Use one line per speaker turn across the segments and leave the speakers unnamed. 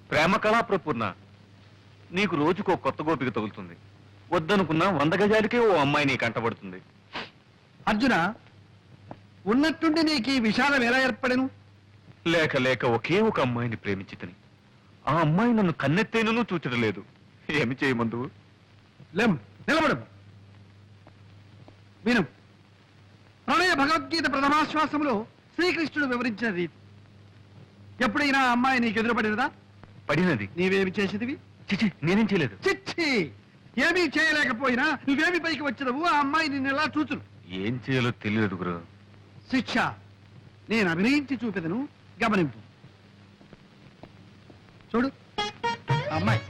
ప్రేమ కళా ప్రపూర్ణ, నీకు రోజుకో కొత్త గోపిక తగులుతుంది. వద్దనుకున్నా 100 గజాలకే ఓ అమ్మాయి నీ కంటబడుతుంది.
అర్జున, ఉన్నట్టుండి నీకు ఈ విషాదం ఎలా ఏర్పడను?
లేక లేక ఒకే ఒక అమ్మాయిని ప్రేమించితని ఆ అమ్మాయి నన్ను కన్నెత్తేనూ చూచడలేదు. ఏమి చేయమందు?
లేం, నిలబడు. విను. ప్రణయ భగవద్గీత ప్రథమాశ్వాసంలో శ్రీకృష్ణుడు వివరించిన రీతి. ఎప్పుడైనా ఆ అమ్మాయి నీకు ఎదురుపడినదా?
పడినది.
నీవేమి చేసేదివి?
చిచి, నేనేం చేయలేదు.
చిచ్చి, ఏమీ చేయలేకపోయినా నువ్వేమి పైకి వచ్చినవు? ఆ అమ్మాయి నిన్ను ఎలా చూచును?
ఏం చేయాలో తెలియదు గురు.
శిక్ష నేను అభినయించి చూపెదను, గమనింపు. చూడు, ఆ అమ్మాయి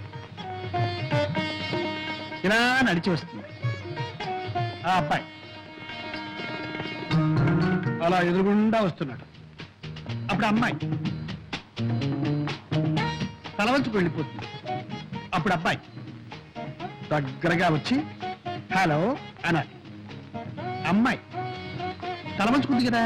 ఇలా నడిచి వస్తుంది. ఆ అబ్బాయి అలా ఎదురుగుండా వస్తున్నాడు. అప్పుడు అమ్మాయి తలవంచుకు వెళ్ళిపోతుంది. అప్పుడు అబ్బాయి దగ్గరగా వచ్చి హలో అనాలి. అమ్మాయి తలవంచుకుంది కదా,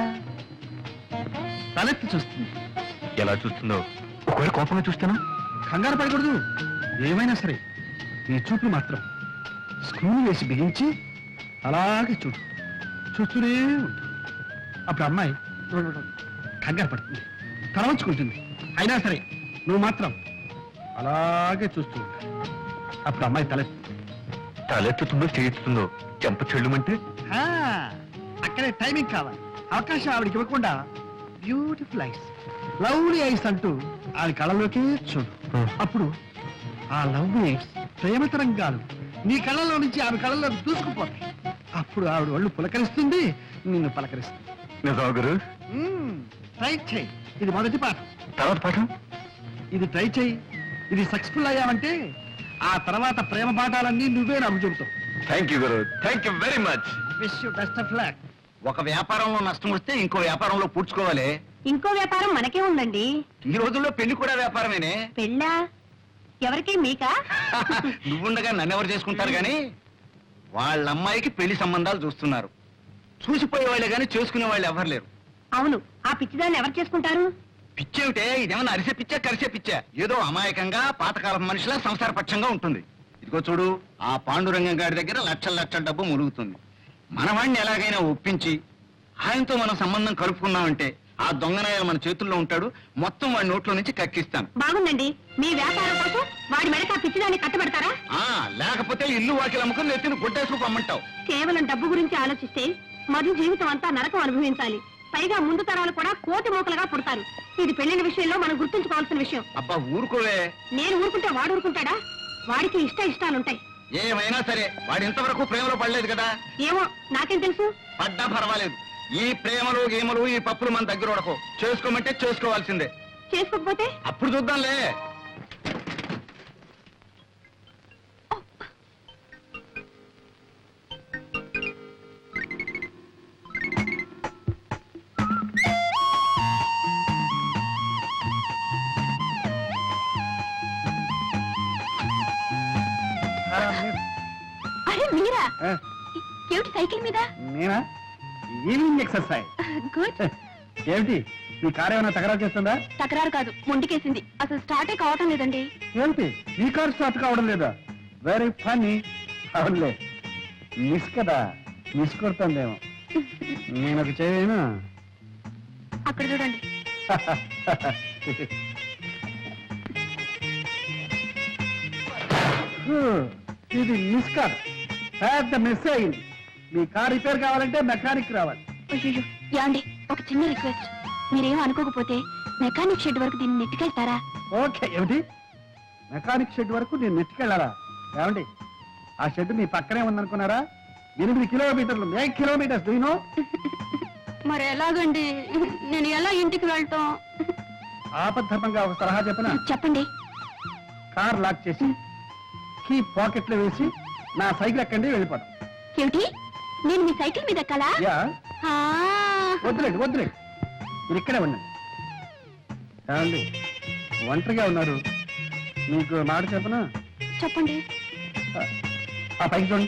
తలెత్తి చూస్తుంది.
ఎలా చూస్తుందో? ఒకవేళ కోపంగా చూస్తానా?
కంగారు పడకూడదు. ఏమైనా సరే ఈ చూపులు మాత్రం స్క్రూలు వేసి బిగించి అలాగే చూడు, చూస్తూనే ఉంటుంది. అప్పుడు అమ్మాయి కంగారు పడుతుంది, తలవంచుకుంటుంది. అయినా సరే నువ్వు మాత్రం అలాగే చూస్తూ ఉంటావు. అప్పుడు అమ్మాయి
తలెత్తుతుందో చేయిస్తుందో చెంప చెల్లుమంటే
అక్కడే టైమింగ్ కావాలి. అవకాశం ఆవిడకి ఇవ్వకుండా బ్యూటిఫుల్ ఐస్, లవ్లీ ఐస్ అంటూ ఆవిడ కళ్ళలోకి చూడు. అప్పుడు ఆ లవ్లీ ఐస్ ప్రేమ తరంగాలు నీ కళ్ళలో నుంచి ఆమె కళ్ళలో దూసుకుపోతాయి. అప్పుడు ఆవిడ ఒళ్ళు పులకరిస్తుంది, నిన్ను పలకరిస్తుంది.
నిజమా గురు?
ట్రై చేయి. ఇది మొదటి పాఠం.
తర్వాత పాఠం?
ఇది ట్రై చేయి. ఇది సక్సెస్ఫుల్ అయ్యావంటే ఆ తర్వాత ప్రేమ పాఠాలన్నీ నువ్వే నాకు చెబుతావు.
థ్యాంక్ యూ గురు, thank you very much.
Wish you best of luck.
ఒక వ్యాపారంలో నష్టం వస్తే ఇంకో వ్యాపారంలో పూడ్చుకోవాలి.
ఇంకో వ్యాపారం మనకే ఉందండి.
ఈ రోజుల్లో పెళ్లి కూడా వ్యాపారమేనే.
పెళ్ళా? ఎవరికి? మీకా?
నువ్వుండగా నన్నెవరు చేసుకుంటారు గాని వాళ్ళ అమ్మాయికి పెళ్లి సంబంధాలు చూస్తున్నారు. చూసిపోయే వాళ్ళే గాని చేసుకునే వాళ్ళు ఎవరు లేరు.
అవును, ఆ పిచ్చిదాన్ని ఎవరు చేసుకుంటారు?
పిచ్చేమిటే, ఇదేమన్నా అరిసే పిచ్చా కరిసే పిచ్చా? ఏదో అమాయకంగా పాతకాలం మనిషిలా సంసారపక్షంగా ఉంటుంది. ఇదిగో చూడు, ఆ పాండురంగం గారి దగ్గర లక్షల లక్షల డబ్బు ములుగుతుంది. మనవాణ్ణి ఎలాగైనా ఒప్పించి ఆయనతో మనం సంబంధం కలుపుకున్నామంటే ఆ దొంగనాయాలు మన చేతుల్లో ఉంటాడు. మొత్తం వాడి నోట్లో నుంచి కక్కిస్తాను.
బాగుందండి. మీ వ్యాపారం కోసం వాడి మెడక పిచ్చిదాన్ని కట్టబెడతారా?
లేకపోతే ఇల్లు వాకిలు అమ్ముకుని నెత్తిని గుడ్డేసుకు అమ్మంటావు.
కేవలం డబ్బు గురించి ఆలోచిస్తే మధు జీవితం అంతా నరకం అనుభవించాలి. పైగా ముందు తరాలు కూడా కోటి మూకలుగా పుడతారు. ఇది పెళ్లిన విషయంలో మనం గుర్తుంచుకోవాల్సిన విషయం.
అబ్బా ఊరుకోవే.
నేను ఊరుకుంటే వాడు ఊరుకుంటాడా? వాడికి ఇష్టాలుంటాయి.
ఏమైనా సరే వాడు ఇంతవరకు ప్రేమలో పడలేదు కదా.
ఏమో, నాకేం తెలుసు.
పడ్డా పర్వాలేదు. ఈ ప్రేమలు గేమలు ఈ పప్పులు మన దగ్గర ఉడకో. చేసుకోమంటే చేసుకోవాల్సిందే.
చేసుకోకపోతే
అప్పుడు చూద్దాంలే.
అరే మీరా? ఏమిటి సైకిల్ మీద?
నేనా? Evening exercise.
గుడ్.
ఏమిటి నీ కారు ఏమైనా తగరా చేస్తుందా?
తకరారు కాదు, ముందుకేసింది. అసలు స్టార్టే కావటం లేదండి.
ఏమిటి నీ కారు స్టార్ట్ కావడం లేదా? Very funny. అవునులే, మిస్ కదా, మిస్ కొడుతుందేమో. నేను ఒక చేయను.
అక్కడ చూడండి.
ఇది మిస్ కాదు, పెద్ద మిస్ అయింది. మీ కార్ రిపేర్ కావాలంటే మెకానిక్ రావాలి.
అయ్యో యాండి, ఒక చిన్న రిక్వెస్ట్. మీరేం అనుకోకపోతే మెకానిక్ షెడ్ వరకు దీన్ని నెట్టుకెళ్తారా?
ఓకే. ఏమిటి, మెకానిక్ షెడ్ వరకు నేను నెట్టుకెళ్ళాలా? ఏమండి, ఆ షెడ్ మీ పక్కనే ఉందనుకున్నారా? 8 కిలోమీటర్లు, 8 కిలోమీటర్స్. దూనో
మరి ఎలాగండి? నేను ఎలా ఇంటికి వెళ్తాం?
ఆపద్ధర్మంగా ఒక సలహా చెప్పనా?
చెప్పండి.
కార్ లాక్ చేసి కీ పాకెట్ లో వేసి నా సైకిల్ ఎక్కండి, వెళ్ళిపోతాం.
ఏమిటి, నేను మీ సైకిల్ మీద ఎక్కాలా?
యా.
ఆ.
వద్దులేండి, వద్దులేండి, మీరు ఇక్కడే ఉండండి. ఏమండి, ఒంటరిగా ఉన్నారు, మీకు మాట చెప్పనా?
చెప్పండి.
ఆ పైకి చూడండి,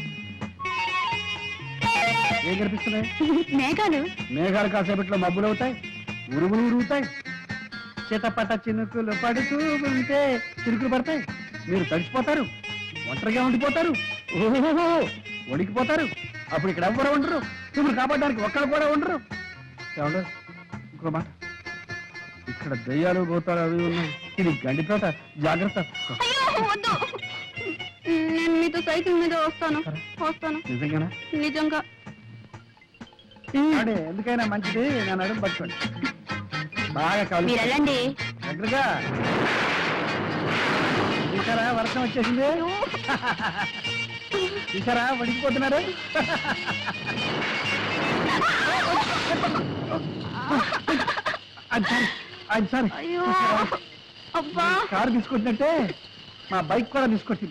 ఏం కనిపిస్తున్నాయి?
మేఘాలు.
మేఘాలు కాసేపట్లో మబ్బులు అవుతాయి, ఉరుములు ఉరుగుతాయి. చిటపట చినుకులు పడుతూ ఉంటే చినుకులు పడతాయి, మీరు తడిసిపోతారు, ఒంటరిగా ఉండిపోతారు, ఓహో వణికిపోతారు. అప్పుడు ఇక్కడ ఎవ్వరు ఉండరు, మిమ్మల్ని కాపాడడానికి ఒక్కరు కూడా ఉండరు. ఏమండు ఇంకో మాట, ఇక్కడ దయ్యాలు పోతారు అవి ఉన్నాయి, ఇది గండి తోట, జాగ్రత్త.
అయ్యో వద్దు, నేను మీతో సైకిల్ మీద వస్తాను.
నిజంగానా?
నిజంగా.
అడే ఎందుకైనా మంచిది, నేను అడుగు పట్టుకోండి. బాగా కావాలి
మీరు వెళ్ళండి.
దగ్గరగా. చూసారా వర్షం వచ్చేసింది, చూసారా వడికిపోతున్నారు. అది సారీ
అయ్యో అబ్బా.
కారు తీసుకొచ్చినట్టే మా బైక్ కూడా తీసుకొచ్చింది.